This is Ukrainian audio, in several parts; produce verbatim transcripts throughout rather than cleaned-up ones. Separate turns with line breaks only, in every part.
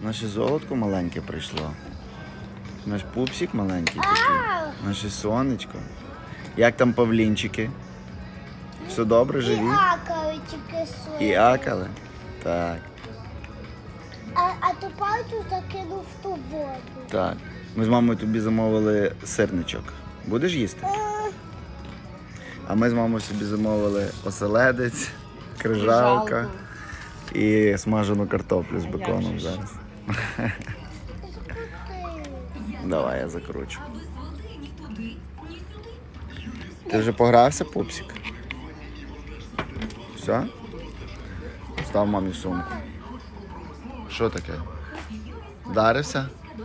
Наше золотко маленьке прийшло. Наш пупсик маленький такий. Наше сонечко. Як там павлінчики? Все добре, живі?
І акали тільки свої.
І акали? Так.
А, а ту пальцю закинув в ту воду.
Так. Ми з мамою тобі замовили сирничок. Будеш їсти?
Е,
А ми з мамою собі замовили оселедець, крижалка і смажену картоплю з беконом зараз.
закрути.
Давай, я закручу. Ти вже погрався, пупсик? Все? Став мамі сумку. Що таке? Вдарився?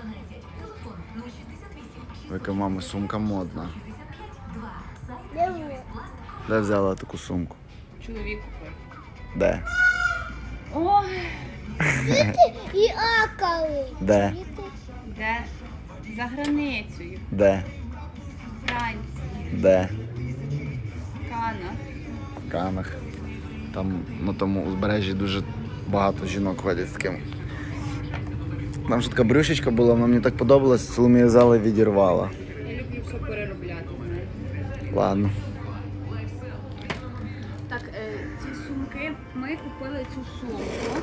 Яка мама сумка модна.
Диви.
Де взяла таку сумку?
Чоловік купив.
Де?
Ой,
І акали.
Де?
Діти.
де за границею,
Де?
Франції,
Де?
Канах.
В Канах. Там на тому узбережжі дуже багато жінок ходять з таким. Там ж така брюшечка була, вона мені так подобалась, Соломія взяла і відірвала.
Я люблю все переробляти. знаєш.
Ладно.
Так, е, ці сумки, ми купили цю сумку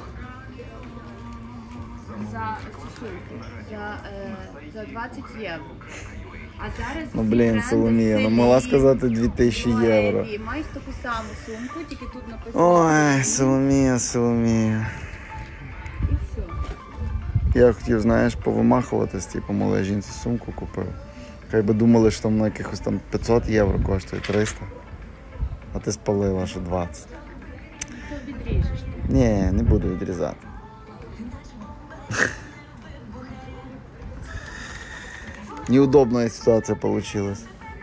за цю сумку за, е, за двадцять євро. А зараз
Ну
всі
блін,
бренди
Соломія, ну
Селі,
могла сказати дві тисячі євро.
Леві мають таку саму сумку, тільки тут написано.
Ой, Соломія, Соломія.
І все.
Я хотів, знаєш, повимахуватись, типу, малій жінці сумку купив. Хай би думали, що там на якихось там п'ятсот євро коштує, триста. А ти спалила, що двадцять.
Ти відріжеш. ти.
Ні, не буду відрізати. Неудобна ситуація вийшла.
Мені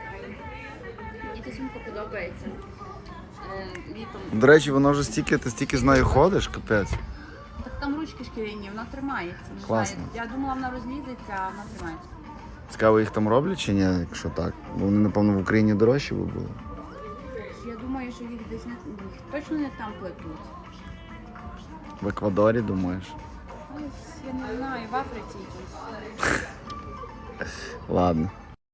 ця сумка подобається. Е, літом.
До речі, вона вже стільки, ти стільки з нею ходиш, капець.
Так там ручки шкіряні, вона тримається. Не
Класно.
знаю. Я думала, вона розлізеться, а вона тримається.
Цікаво, їх там роблять чи ні, якщо так? Бо вони, напевно, в Україні дорожчі би були.
Я думаю, що їх десь не їх точно не там плетуть.
В Еквадорі, думаєш?
Ось, я не знаю, в Африці якісь.
Ладно.